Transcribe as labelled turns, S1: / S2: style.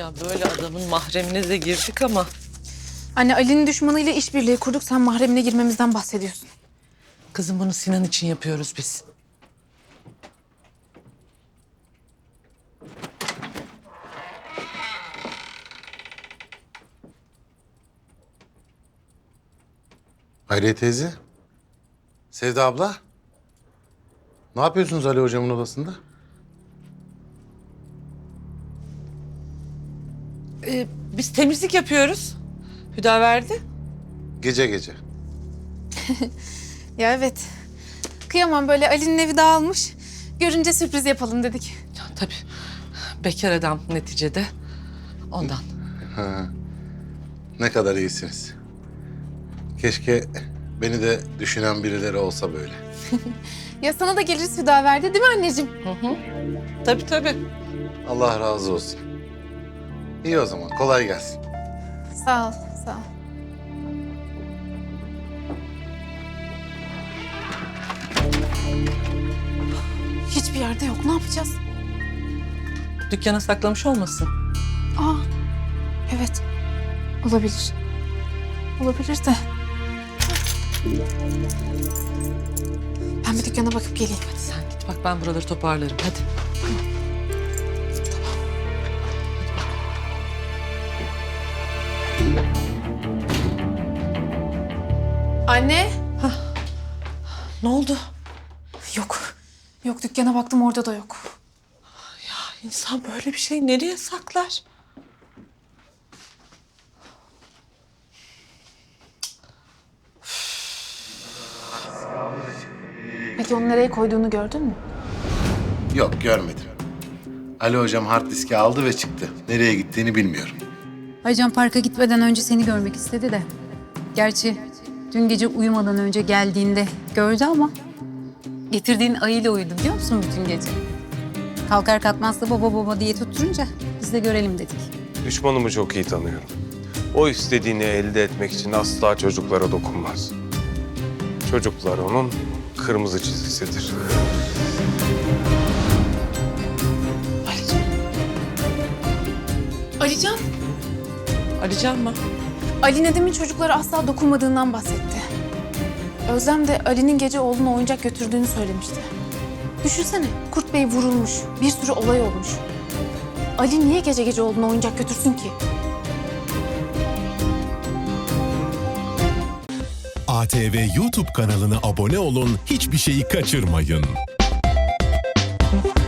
S1: Ya böyle adamın mahremine de girdik ama...
S2: Anne Ali'nin düşmanıyla işbirliği kurduk. Sen mahremine girmemizden bahsediyorsun.
S1: Kızım bunu Sinan için yapıyoruz biz.
S3: Hayriye teyze. Sevda abla. Ne yapıyorsunuz Ali hocamın odasında?
S1: Biz temizlik yapıyoruz. Hüdaverdi.
S3: Gece gece.
S2: Ya evet. Kıyamam, böyle Ali'nin evi dağılmış. Görünce sürpriz yapalım dedik.
S1: Ya, tabii bekar adam neticede. Ondan.
S3: Ne kadar iyisiniz. Keşke beni de düşünen birileri olsa böyle.
S2: Ya sana da geliriz Hüdaverdi, değil mi anneciğim?
S1: Tabii tabii.
S3: Allah razı olsun. İyi o zaman. Kolay gelsin.
S2: Sağ ol, sağ ol. Hiçbir yerde yok. Ne yapacağız?
S1: Dükkana saklamış olmasın?
S2: Aa, evet. Olabilir. Olabilir de. Ben bir dükkana bakıp geleyim.
S1: Hadi sen git bak, ben buraları toparlarım. Hadi.
S2: Anne.
S1: Ne oldu?
S2: Yok. Yok, dükkana baktım, orada da yok.
S1: İnsan böyle bir şey nereye saklar?
S2: Peki onu nereye koyduğunu gördün mü?
S3: Yok, görmedim. Ali hocam hard diski aldı ve çıktı. Nereye gittiğini bilmiyorum.
S4: Aycan parka gitmeden önce seni görmek istedi de. Gerçi dün gece uyumadan önce geldiğinde gördü ama... getirdiğin ayıyla uyudu biliyor musun bütün gece? Kalkar kalkmaz da baba baba diye tutturunca biz de görelim dedik.
S5: Düşmanımı çok iyi tanıyorum. O istediğini elde etmek için asla çocuklara dokunmaz. Çocuklar onun kırmızı çizgisidir.
S2: Alican.
S1: Arayacağım mı?
S2: Ali Nedim'in çocuklara asla dokunmadığından bahsetti. Özlem de Ali'nin gece oğluna oyuncak götürdüğünü söylemişti. Düşünsene, Kurt Bey vurulmuş, bir sürü olay olmuş. Ali niye gece gece oğluna oyuncak götürsün ki?
S6: ATV YouTube kanalına abone olun, hiçbir şeyi kaçırmayın.